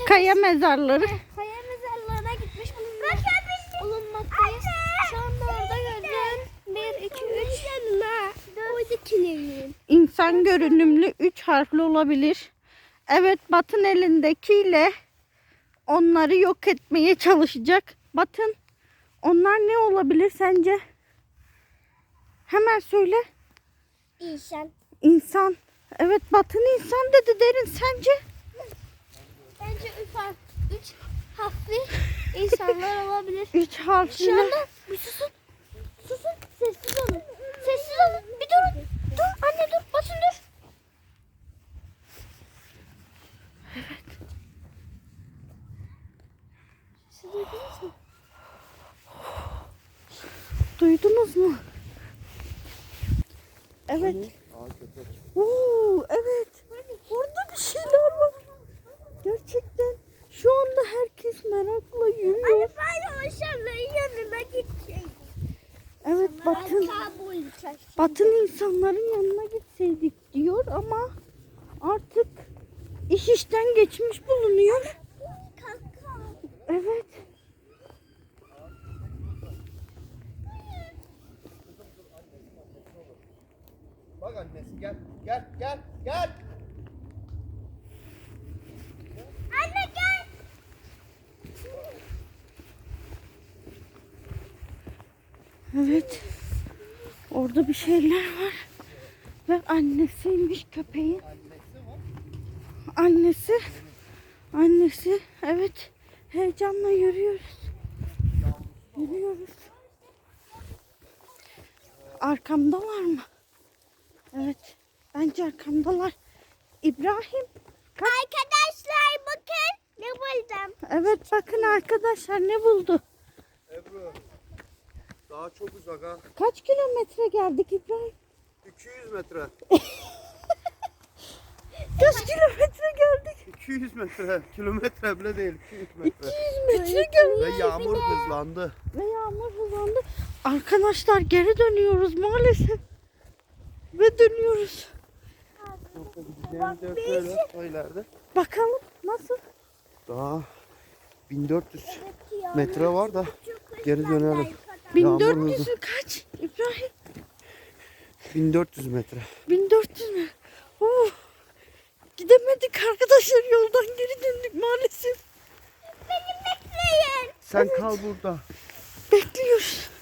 Kaya mezarları. Kaya mezarlarına gitmiş bulunmaktayız. Şu anda orada gördüm. 1, 2, 3 yanına. Oradakilerin. İnsan görünümlü 3 harfli olabilir. Evet, Batın elindekiyle onları yok etmeye çalışacak. Batın, onlar ne olabilir sence? Hemen söyle. İnsan. İnsan. Evet, Batın insan dedi Derin, sence? Bence 3 harfli insanlar olabilir. 3 harfli. Şu anda bir susun. Susun. Sessiz olun. Sessiz olun. Bir durun. Dur anne dur. Basın dur. Siz duydunuz mu? Duydunuz mu? Evet. Oo, evet. Burada bir şeyler var. Gerçekten. Şu anda herkes merakla yürüyor. Ben o aşağıların yanına gideceğim. Evet, Batın insanların yanına gitseydik diyor ama artık iş işten geçmiş bulunuyor. Evet. Bak annesi gel. Gel gel gel. Anne gel. Evet. Orada bir şeyler var. Ve annesiymiş köpeğin. Annesi. Annesi. Evet. Heyecanla yürüyoruz. Yürüyoruz. Arkamdalar mı? Evet. Bence arkamdalar. İbrahim. Arkadaşlar bakın ne buldum. Evet, bakın arkadaşlar ne buldu? Ebru. Daha çok uzak ha. Kaç kilometre geldik İbrahim? 200 metre. Kaç kilometre geldik? 200 metre. Kilometre bile değil. 200 metre. 200 metre geldik. Ve yağmur hızlandı. Ve yağmur hızlandı. Arkadaşlar geri dönüyoruz maalesef. Ve dönüyoruz. Gideceğimiz yer şöyle. O ileride. Bakalım nasıl? Daha 1400 metre var da geri dönelim. 1400 mü kaç İbrahim? 1400 metre. 1400 mü? Oh. Gidemedik arkadaşlar, yoldan geri döndük maalesef. Beni bekleyin. Sen kal burada. Bekliyoruz.